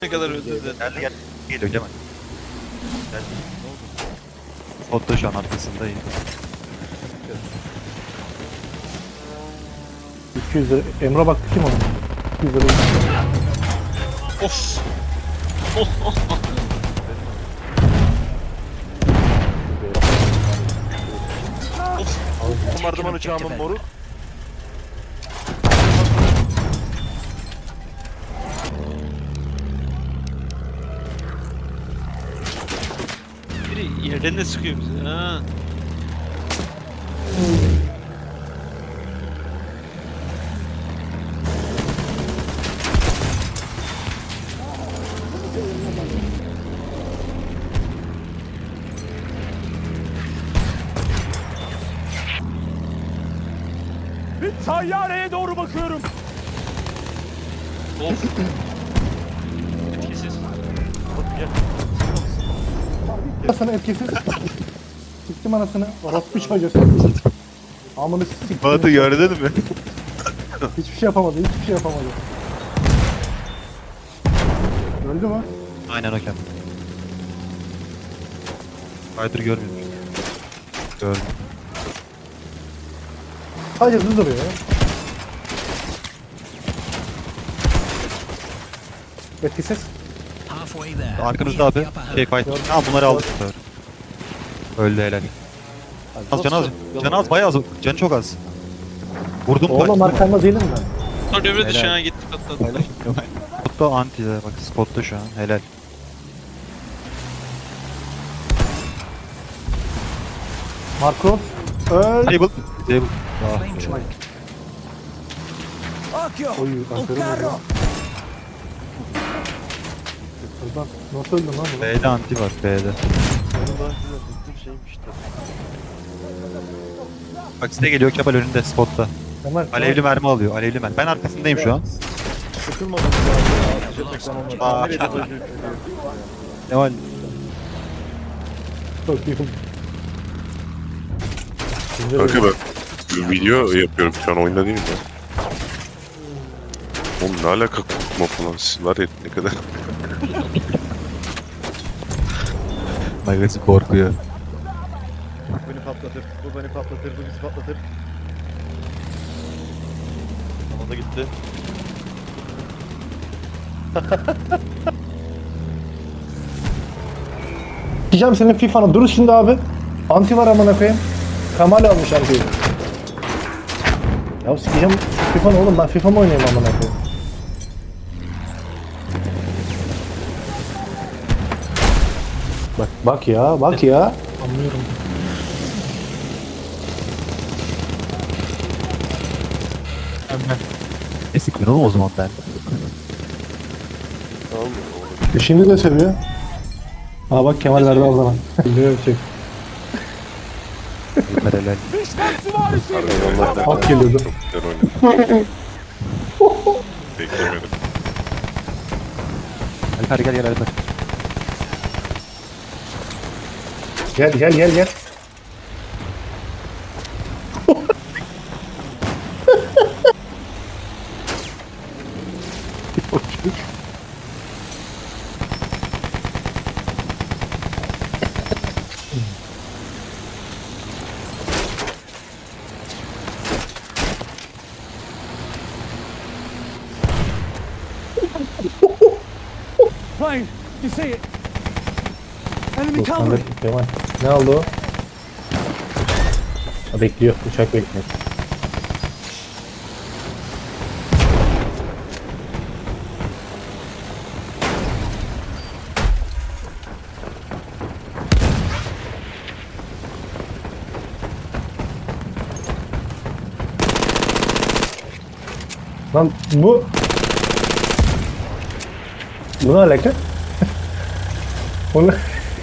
Ne kadar özür dilerim. Gel. Geliyor Cemal. Gel. Spot'ta şu an arkasındayım. 200 lira. Emre baktı kim ona? 200 lira. Of. Bombardıman uçağımın moruk. Biri yerden de sıkıyor bizi. Ha. Tayyareye doğru bakıyorum. Of. Etkisiz. Sana etkisiz. Siktim anasını. Orospu çocuğu. Amını siktim. Batı gördün mü? Hiçbir şey yapamadı. Hiçbir şey yapamadı. Öldü mü? Aynen o kendi. Spider görmüyormuş. Gördüm. Sadece hızlı duruyor ya. Etkisiz. Arkanızda abi. Şey fight. Ha bunları aldık bu sefer. Öldü helal. Az can az. Can az bayağı az. Canı çok az. Vurdum Oğlum fight. arkanda değilim ben. Sonra devre dışı Helal. ha gitti patladı. Spotta anti de bak spotta şu an helal. Marco. Öl. Table. Table. Oy aferin oldu. Buradan nasıl öldün lan bunu? B'de anti var B'de. Benim daha size bıktım şeymiş de. Bak size geliyor Kemal önünde spotta. Kemal. Alevli mermi alıyor. Alevli mermi. Ben arkasındayım şu an. Sıkılmadım ya. Ateşe tekrar olmadı. Aa. Nereye dojör? Kemal. Çok iyi. Kanka ben video yapıyorum şu an oyunda değilim ya. Oğlum ne alaka korkma falan siz var ya ne kadar. Magazin korkuyor. Bu beni patlatır. Bu beni patlatır. Bu bizi patlatır. Ama da gitti. Sikeceğim senin FIFA'nı. Dur şimdi abi. Anti var amına koyayım. Kemal almış antiyi. Ya sikeceğim FIFA'nı oğlum. Ben FIFA mı oynayayım amına koyayım? Bak ya. Bak ya. Anlıyorum. Ne sıkıyorsun oğlum o zaman ben? Tamam mı? Şimdi de seviyor. Aa bak Kemal verdi al sana. Biliyorum çek. Ömer helal. Onlar Hak geliyordu. çok güzel oynadı. Beklemedim. Alper gel Alper. Gel. Ryan, you see it? Enemy Dur, sen de Kemal. Ne oldu o? Ha, bekliyor. Uçak bekliyor. Lan bu... Bu ne alaka? Onu...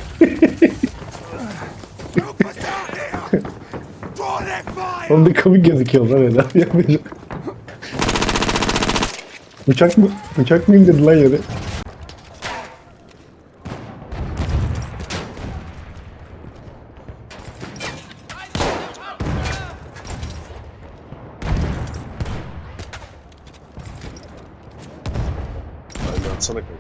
Oğlum bir komik gözüküyor lan öyle. Yapmayacağım. Uçak mı indirdi lan yere? Aynen atsana kanka.